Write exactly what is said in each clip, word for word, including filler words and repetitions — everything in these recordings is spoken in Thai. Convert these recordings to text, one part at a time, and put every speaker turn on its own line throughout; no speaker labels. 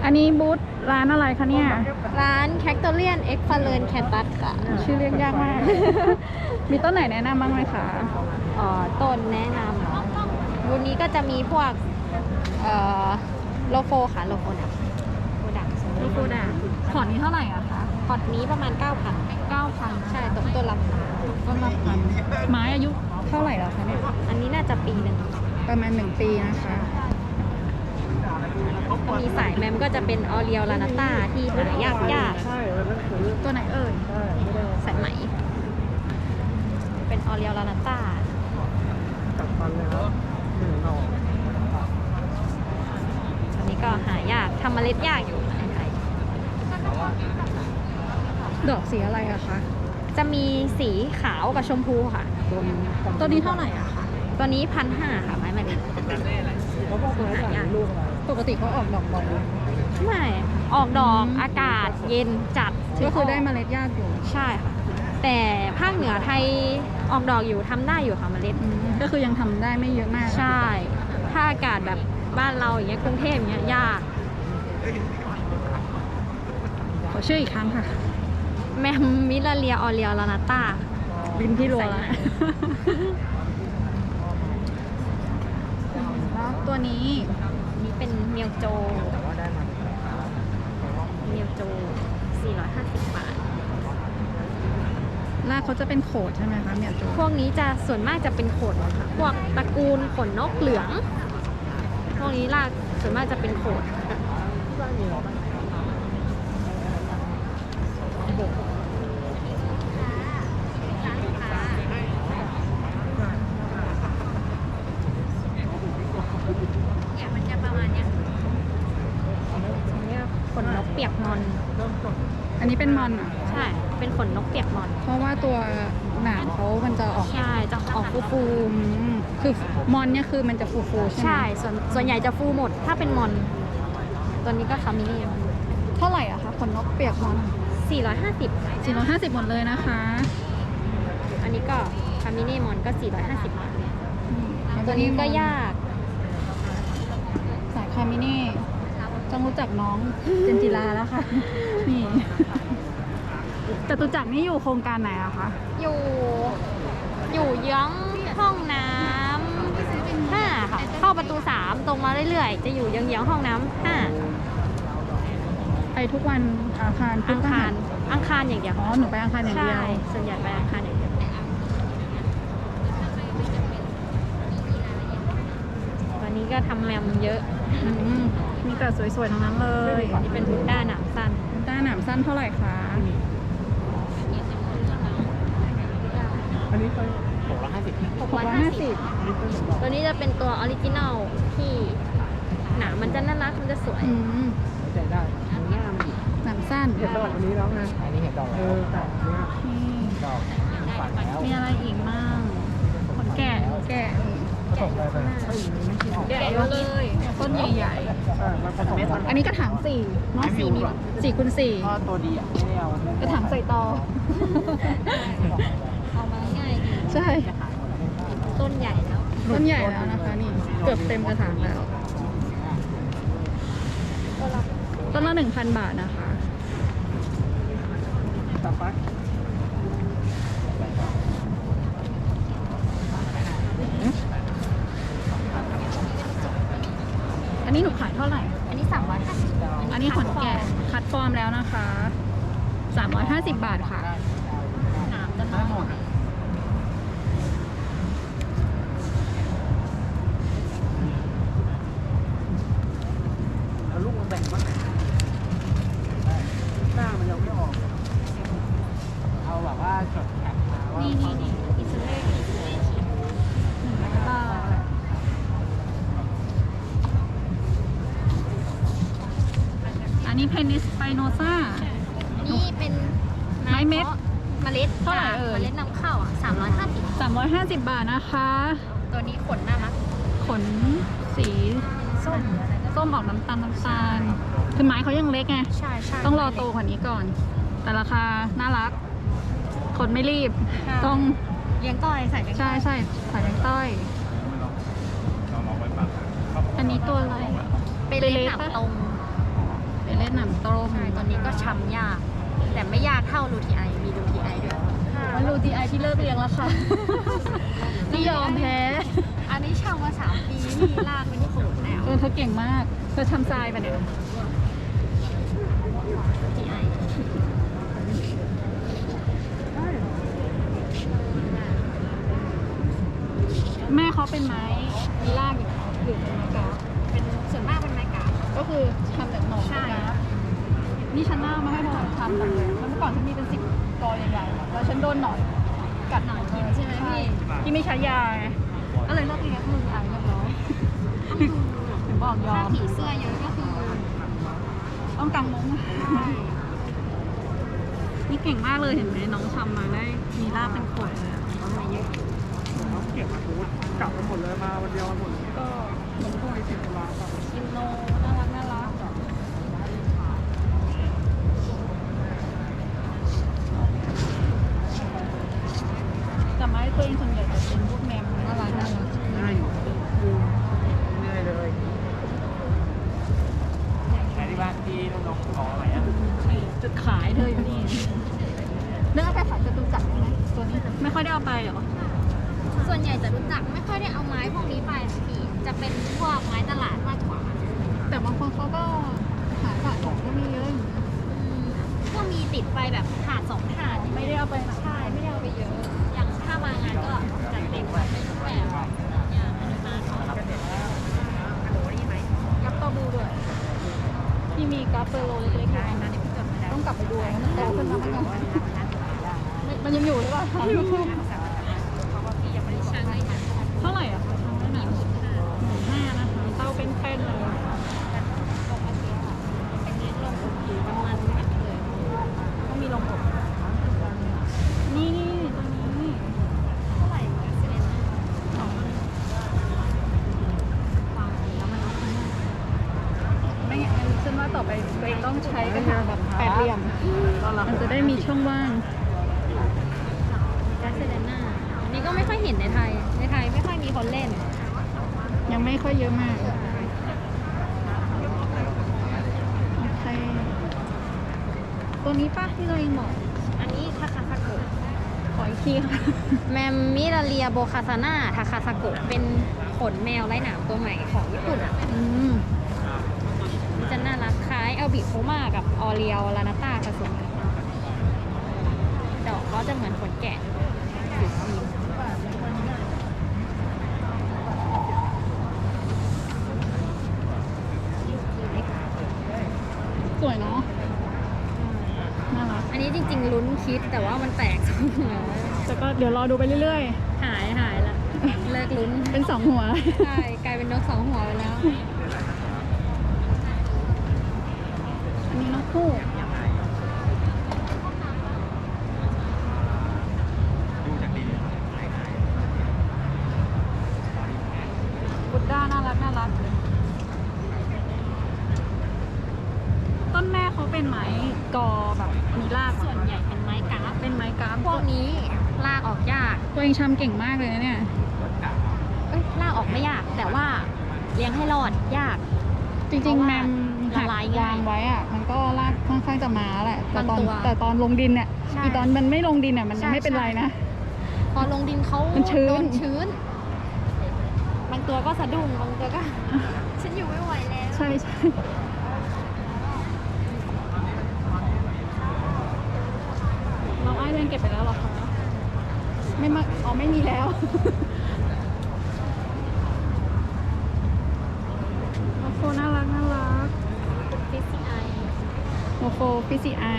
อันนี้บูธร้านอะไรคะเนี่ย
ร้านแคคโตเลียนเอ็กฟาเลนแคนตัสค่ะ
ชื่อเรียกยากมาก มีต้นไหนแนะนำบ้างไหมคะ
อ๋อต้นแนะนำวันนี้ก็จะมีพวกเอ่อโลโฟค่ะโลโฟดักโฟดัก
ลูกโกดาพอร์ตนี้เท่าไหร่อะคะ
พอร์ตนี้ประมาณ เก้าพัน
เก้าพัน
ใช่ตกต้นละ
ต้นละพันไม้อายุเท่าไหร่แล้วคะเนี่ย
อันนี้น่าจะปีหนึ่ง
ประมาณหนึ่งปีนะคะ
ก็มีสายแมมก็จะเป็นออเรียลลานาต้าที่หายากยาก
ตัวไหนเอ่ย
สายไหม เป็นออเรียลลานาต้า
กัดฟันเลยครับหนึ่งหน่อ
อันนี้ก็หายากทำเมล็ดยากอยู่ในไทย
ดอกสีอะไรอะคะ
จะมีสีขาวกับชมพูค่ะ
ตัวนี้เท่าไหร่อะคะ
ตัวนี้พันห้าค่ะไม้เมล็ด
เขาบอกตัวหาลูกอะไร
ปกติเขาออกดอกบ่อยไหม
ไม่ออกดอก
อืม
อากาศเย็นจัด
ก็คือได้
มา
เมล็ดยากอยู่
ใช่ค่ะ แต่ภาคเหนือไทยออกดอกอยู่ทำได้อยู่ค่ะเมล็ด
อืมก็คือยังทำได้ไม่เยอะมาก
ใช่ ถ้าอากาศแบบบ้านเราอย่างเงี้ยกรุงเทพอย่างเงี้ยยาก
ขอชื่ออีกครั้งค่ะ
แมมมิลาเรียออเรียลานาต้า
บินพี่รัวแล้ว
ใส่
แล้วตัวนี้
นี่เป็นเมียวโจ
แต่ว่าได้มา
เมียวโจ สี่ร้อยห้าสิบบาท
รากเขาจะเป็นโขดใช่ไหมคะเมียโจ
พวกนี้จะส่วนมากจะเป็นขนค่ะ พวกตระกูลขนนกเหลือง พวกนี้รากส่วนมากจะเป็นโขด เนี่ยมันจะประมาณเนี้ยเนี่ยขนนกเปียกมอน
อันนี้เป็นมอนเหรอ่ะ
ใช่ เป็นขนนกเปียกมอน
เพราะว่าตัวหนามเขามันจะออก
ใช่ จะออกฟูฟู
อืมคือมอนเนี่ยคือมันจะฟูๆ
ๆ
ใช่ไหม
ใช่ ส่วนส่วนใหญ่จะฟูหมด ถ้าเป็นมอน ตัวนี้ก็คามินี่
เท่าไหร่อะคะขนนกเปียกมอน
สี่ร้อยห้าสิบ
สี่ร้อยห้าสิบหมดเลยนะคะ
อันนี้ก็คามินี่มอนก็สี่ร้อยห้าสิบบาท
อืม
ตัวนี้ก็ยาก
สายคามินี่ต้องรู้จักน้องเจนจิลาแล้วค่ะ นี่จตุจักรนี่อยู่โครงการไหนอะคะ
อยู่ อยู่เยื้องห้องน้ำห้าค่ะ เข้าประตูสามตรงมาเรื่อยๆ จะอยู่เยื้องๆห้องน้ำห้า
ไปทุกวันอังคารพุ
อั
ธ
ง
พฤ
คา
หั
ร
ส
อังคารอย่างเดียว
อ๋อหนูไปอังคารอย่างเดียว
ใช่ ส่วนใหญ่ไปอังคารอย่างเดียว วันนี้ก็ทำแมมเยอะ
อืมมีแต่สวยๆทั้งนั้นเลย
นี่เป็นบุนด้าหนามสั้น
ต้าหนามสั้นเท่าไหร่คะ
อันนี้ไปหกร้อยห้าสิบ
หกร้อยห้าสิบ ตัวนี้จะเป็นตัวออริจินัลที่หนามมันจะน่ารัก มันจะสวย
อืม
ใจได้หน้ามัน
หนามสั้น
เห็นดอกอันนี้แล้วไงอันนี้เห็นดอกเออแต่เนี้ย
นี่
ดอกฝันแล้ว
มีอะไรอีกมั่งขนแกะแกะ
ผสมอะไรไปเฮ้ยไม่คิดออก
แกะเยอะเลย ต้นใหญ่
ใช่มันผสมกัน
ๆ อันนี้กระถางสี่เน้องสี่นิ้วสี่คูณสี่
ก็ตัวดีอ่ะไม่ได้เอา
กระถางใส่ตอ
เอามาง่ายดี
ใช่
ต้นใหญ่แล้ว
ต้นใหญ่แล้วนะคะนี่ เกือบเต็มกระถางแล้ว ต้นละหนึ่งพันบาทนะคะ
ตาฟัก
อันนี้หนูขายเท่าไหร่
อันนี้สามร้อยห้าสิบ
อันนี้ขนแกะคัดฟอร์มแล้วนะคะสามร้อยห้าสิบบาทค่ะ
หนามจะ
ได้หมด เอาลูกมาแบ่งบ้างหน้ามันยังไม่ออก เอาแบบว่าจดแข็งมาว่า
นี่นี่นี่อิสเลตอิสเลต
หนึ่งร้อยบาทอันนี้เพนิสไปโนซ่า
นี่เป็น
ไม้เม็ด
เมล็ด
เท่าไหร่เอ่ย
เมล็ดนำเข้าอ่ะสามร้อยห้าสิบ
สามร้อยห้าสิบบาทนะคะ
ตัวนี้ขนน่ารัก
ขนสี
ส้ม
ส้มออกน้ำตาลน้ำตาลคือไม้เขายังเล็กไง
ใช่ใช่
ต้องรอโตกว่านี้ก่อน แต่ราคาน่ารัก คนไม่รีบ ต้อง
เลี้ยงก้อยใส่เลี้ยงก้
ใช่
อย
ใช่สายแดงต้อย อันนี้ตัวอะไร
เป็นเล็กหนามตรง
อหนามตรง
ใช่ตอนนี้ก็ช้ำยาก แต่ไม่ยากเท่าลูทีไอมีลูทีไอด้วย
มันรูทีไอที่เลิกเลี้ยงแล้วค่ะ ที่ยอมแพ้
อันนี้ช่างมาสามปีนี่ลากเป็นโขดแล้ว
เออเธอเก่งมาก เธอทำทรายปะเนี่ย
ลูทีไอ
แม่เขาเป็นไม้มีรากอยู่หรือเป็นไม้กราฟ
เป็นส่วนมากเป็นไม้กาบ
ก็คือทำจากหนอน
ใช่
กราฟนี่ฉันหน้ามาให้เธอทำแบบเลยแล้วเมื่อก่อนฉันมีเป็นสิบกอใหญ่ๆแล้วฉันโดนหนอนกัด
หนอนกินใช่ไหมพี่
ที่ไม่ใช้ยาไงก็เลยเลิกเลี้ยงมือไอเรียบร้อยถึงบอกยอ
ถ้าม ผีเสื้อเยอะก็คือ
ต้องกางมุ้งนี่เก่งมากเลยเห็นไหมน้องทำมาได้มีรากเป็นขวดเลยอะ
มาเยอะ
เก็บมาทุกกลับมาหมดเลยมาวันเดียวมาหมดเลย
ก็เหมือนพวกไอซิลาแบบอินโนน่ารักน่ารักแต่ไม้ตัวเองส่วนใหญ่จะเป็นพวกแมมน่ารักน่ารัก
ง่ายอยู่เหนื่อยเลยใช้ที่บ้านที่น้องๆขออะไรอ่ะ
จุดขายเธออยู่นี่เรื่องเอาไปขายจตุจักรไหมตัวนี้ไม่ค่อยได้เอาไปเหรอ
ส่วนใหญ่จะรู้จักไม่ค่อยได้เอาไม้พวกนี้ไปพี่จะเป็นพวกไม้ตลาดมากกว่า
แต่บางคนเขาก็หาสะสมก็มีเยอะอยู่นะ
อืมก็มีติดไปแบบถาดสองถาด
ไม่ได้เอาไปหนัก
ใช่ไม่ได้เอาไปเยอะ อย่างถ้ามางานก็จัดเต็มแบบเป็นรูปแบบอย่างอันนี้มาเขากับโหนี่ไหม
กับตอบูด้วยที่มีกราฟเปโลเล็กๆอยู่ต้องกลับไปดูนะมันโตขึ้นมาไหมกันมันยังอยู่หรือเปล่า
เพราะว่าพี่ยังไม่ได้ช่างให้มัน
เท่าไหร่อ่ะคะทำได้ไหน
มีหมื่นห้า
หมื่นห้านะคะเต้าเป็นแป้นเลย
ปกติค่ะเป็นเนื้อลงอบอยู่ประมาณนั้นเลย
ต้องมีลงอบนี่นี่ตัวนี้
เท่าไหร่คะเซเลน่า
สอง
วางแล้วมัน
ไม่งั้นฉันว่าต่อไปตัวเองต้องใช้กระถางแบบแปดเหลี่ยมมันจะได้มีช่องว่าง
แกสเซเลน่าอันนี้ก็ไม่ค่อยเห็นในไทย ในไทยไม่ค่อยมีคนเล่น
ยังไม่ค่อยเยอะมากโอเคตัวนี้ป่ะที่เราเองบอก
อันนี้ทาคาซาโกะ
ขออีกทีค่ะ
แมมมิราเลียโบคาซาน่าทาคาซาโกะเป็นขนแมวไร้หนามตัวใหม่ของญี่ปุ่นอ่ะ
อืม
มันจะน่ารักคล้ายเอลบิโคมากับออเรียลลานาต้าผสมกันดอกเขาจะเหมือนขนแกะสีครีม
สวยเนาะน่ารัก
อันนี้จริงๆลุ้นคิดแต่ว่ามันแตกสองหัว
แต่ก็เดี๋ยวรอดูไปเรื่อย
หายหายละเลิกลุ้น
ๆ เป็นสองหัว
ใช่กลายเป็นนกสองหัวไปแล้ว
อันนี้นกคู่
ดูจากดี
บุดด้าน่ารักน่ารัก ต้นแม่เขาเป็นไม้กอแบบมีราก
ส่วนใหญ่เป็นไม้กราฟ
เป็นไม้กราฟ
พวกนี้ลากออกยาก
ตัวเองชำเก่งมากเลยนะเนี่ย
เอ้ยลากออกไม่ยาก แต่ว่าเลี้ยงให้รอดยาก
จริงๆแมม
ละลายง่าย
วางไว้อะมันก็รากค่อนข้างจะมาแหละ แต่ตอน
บางตัว
แต่ตอนลงดินเนี่ย
ใช่
อีตอนมันไม่ลงดินเนี่ยมันยัง
ใช่
ไม่เป็นไรนะ
พอลงดินเขา
มันชื้น
โดนชื้น บางตัวก็สะดุ้ง บางตัวก็ ฉันอยู่ไม่ไหวแล้ว
ใช่ใช่เราไอ้เรนเก็บไปแล้วเหรอคะ ไม่มาอ๋อไม่มีแล้ว โมโฟน่ารักน่ารัก
ฟิสซี่ไอ
โมโฟฟิซีไอ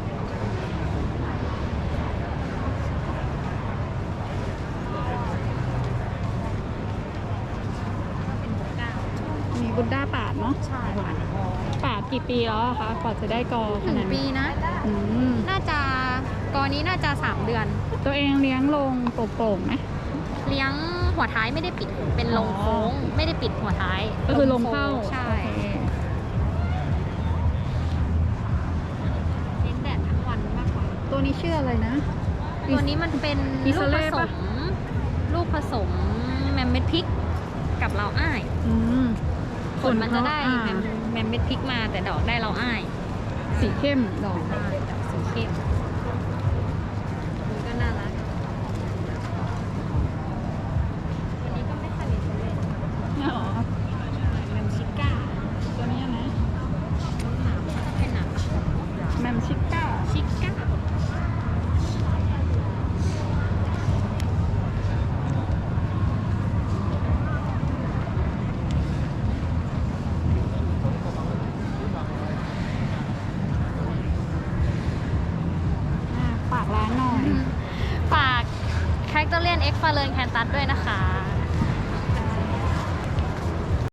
เป็นบุกก้า
มีบุดด้าปาดเนาะ
ใช่
ปาดกี่ปีแล้วอะคะกว่าจะได้กอข
หนึ่ง
นาด
ปีนะ
อืม
น่าจะกอนี้น่าจะสามเดือน
ตัวเองเลี้ยงลงโปร่งๆไหม
เลี้ยงหัวท้ายไม่ได้ปิด เป็นลงโค้ง ไม่ได้ปิดหัวท้าย
ก็คือลงเข้า
โค้งใช่
โอเค
เลี้ยงแดดทั้งวันมากกว่า
ตัวนี้ชื่ออะไรนะ
ตัวนี้มันเป็น
อิ
ลู
ส
ก
เล่
ผส
ปะ
ม ลูกผสมแมมเม็ดพริกกับเราอ้าย
อืม
ผลมันจะได้
อ่า
แมมแมมเม็ดพริกมาแต่ดอกได้เราอ้าย
อสีเข้มดอก
ใช่ดอกสีเข้มนี่ก็น่ารักวันนี้ก็ไม่ค่อยมีคนเล่น
เนี่ยเหรอ
แมมชิก้า
ตัวนี้นะ
หนามก็จะเป็นหนาม
แมมชิก้า
ชิก้า
อ่ะฝากร้านหน่อย
ฝากแคคเตอร์เลียนเอ็กฟาเลนแคนตัสด้วยนะคะ